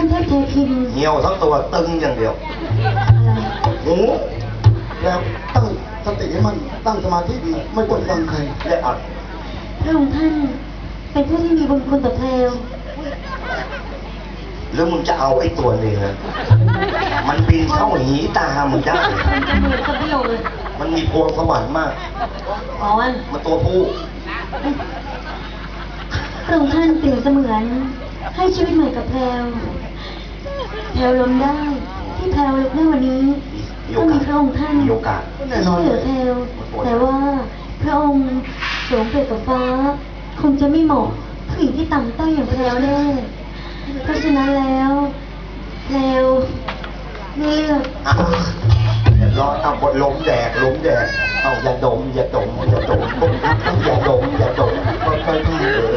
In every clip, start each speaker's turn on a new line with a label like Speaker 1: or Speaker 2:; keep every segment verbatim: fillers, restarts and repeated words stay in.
Speaker 1: านเทพเทพิน
Speaker 2: เหี่ยวทั้งตัวตึงอย่างเดียวหู
Speaker 3: แล้วตั้งสติให้มันตั้งสมาธิดีไม่กดฟังใคร
Speaker 2: และอัด
Speaker 1: พระองค์ท่านเป็นผู้ที่มีบุญคุณต่อแพรว
Speaker 2: หรือมึงจะเอาไอ้ตัวนี้นะมันบินเข้าหีตามึงได้
Speaker 1: มันจะเหมือนกับเบี้ยวเลย
Speaker 2: มันมีพวงสวรรค์มาก
Speaker 1: อ๋อ
Speaker 2: มันตัวผู้
Speaker 1: พระองค์ท่านเปรียบเสมือนให้ชีวิตใหม่กับแพรวแพรวล้มได้ที่แพรวลุกได้วันนี้ก็มีพระองค์ท่านที่ช่วยเหลือแพรวแต่ว่าพระองค์สวมเปรียบกับฟ้าคงจะไม่เหมาะผู้หญิงที่ต่ำต้อยอย่างแพรวแน่เพราะฉะนั้นแล้วแพรวเลือก
Speaker 2: รอเอาบทล้มแดกล้มแดกเอาอย่าดมอย่าดมอย่าดมอย่าดมอย่าดมค่อยๆเออ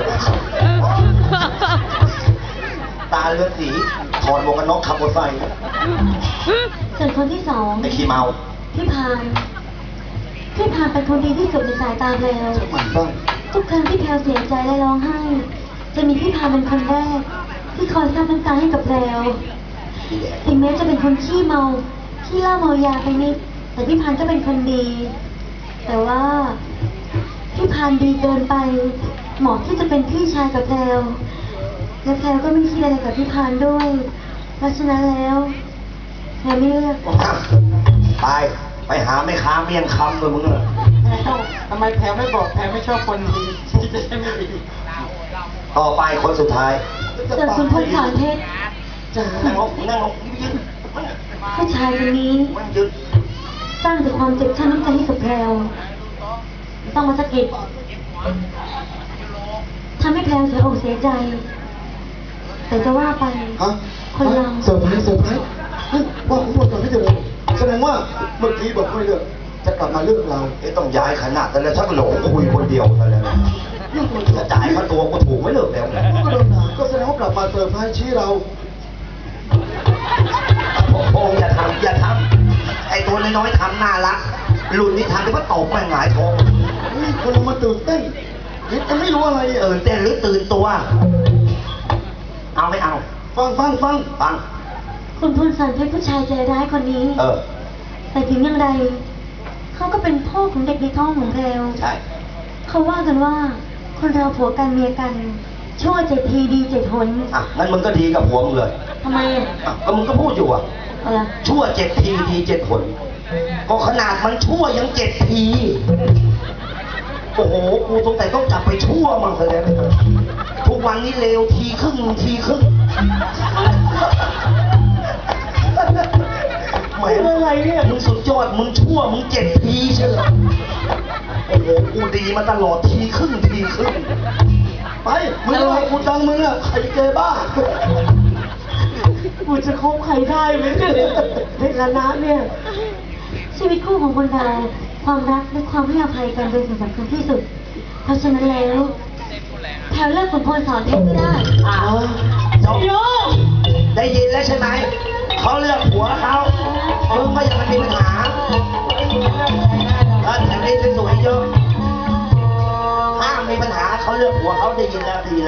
Speaker 2: ตาเลือดสีถอดหมวกกันน็อกขับรถไฟ
Speaker 1: ส่วนคนที่สอง
Speaker 2: ไอ้ขี้เมา
Speaker 1: พี่พานพี่พานเป็นคนดีที่สุดในสายตาแพรวทุกครั้งที่แพรวเสียใจและร้องไห้จะมีพี่พานเป็นคนแรกที่คอยซับน้ำตาให้กับแพรวถึงแม้จะเป็นคนขี้เมาขี้เหล้าเมายาไปนิดแต่พี่พานก็เป็นคนดี แต่ว่าพี่พานดีเกินไปเหมาะที่จะเป็นพี่ชายกับแพรวและแพรวก็ไม่คิดอะไรกับพี่พานด้วยเพราะฉะนั้นแล้วแพรวไม่เลือก
Speaker 2: ไปไปหาแม่ค้าเมียงคำเลยมึงเลย
Speaker 3: ทำไมแพรไม่บอกแพรไม่ชอบคนดีที่จะไม่ดี
Speaker 2: ต่อไปคนสุดท้าย
Speaker 1: เกิดคุณพลสารเพชร
Speaker 2: นั่งลงนั่งลงยืน
Speaker 1: ผู้ชายคนนี้สร้างแต่ความเจ็บช้ำน้ำใจให้กับแพรวต้องมาสะกิดทำให้แพรวเสียอกเสียใจแต่จะว่าไปคนเรา
Speaker 3: เซอร์ไพรส์เซอร์ไพรส์ว่าผมบอกก่อนพี่เจริญแสดงว่าเมื่อกี้บอกไม่เลือกจะกลับมาเลือกเรา
Speaker 2: ไอ้ต้องย้ายขนาดแต่แล้วชักหลงคุยคนเดียวแต่แล้วจะจ่ายค่าตัวก็ถูกไม่เลิกแล้ว
Speaker 3: ก็โดนด่าก็แสดงว่ากลับมาเซอร์ไพรส์ชี้เรา
Speaker 2: โอ้อย่าทำอย่าทำไอ้ตัวน้อยๆทำน่ารักหลุดนี่ทำที่ว่าตกไปหงายท้อง
Speaker 3: นี่คนเรามาตื่นเต้นคิดจะไม่รู้อะไร
Speaker 2: เออเต้นหรือตื่นตัวเอาไม่เอา
Speaker 3: ฟังฟังฟัง
Speaker 2: ฟัง
Speaker 1: คุณพลสันเป็นผู้ชายใจร้ายคนนี้
Speaker 2: เออ
Speaker 1: แต่ถึงอย่างไรเขาก็เป็นพ่อของเด็กในท้องของแพรว
Speaker 2: ใช่
Speaker 1: เขาว่ากันว่าคนเราผัวกันเมียกันชั่วเจ็ดทีดีเจ็ดหน
Speaker 2: อ่ะงั้นมึงก็ดีกับผัวมึงเลย
Speaker 1: ทำไมอ่ะ
Speaker 2: ก็มึงก็พูดอยู่อ่ะชั่วเจ็ดทีดีเจ็ดหนก็ขนาดมันชั่วยังเจ็ดทีโอ้โหกูสงสัยต้องกลับไปชั่วมันเลยทุกวันนี้เลวทีครึ่งทีครึ่งหมายอะไรเนี่ยมึงสุดยอดมึงชั่วมึงเจ็ดทีใช่ไหมโอ้โหกูดีมาตลอดทีครึ่งทีครึ่ง
Speaker 3: ไปมึงอะไรกูดังมึงอะใครเจบ้า
Speaker 1: กูจะคบใครได้ไหมเนี่ยในฐานะเนี่ยชีวิตคู่ของคนเราความรักและความให้อภัยกันเป็นสิ่งสำคัญที่สุดเพราะฉะนั้นแล้วแถวเลิกขุนพลสอนเพชรก็ได้
Speaker 2: อ้าวจบได้ยินแล้วใช่ไหมเขาเลือกผัวเขามึงไม่อยากมีปัญหาถ้าแต่งได้สวยเยอะห้ามมีปัญหาเขาเลือกผัวเขาได้ยินแล้วดี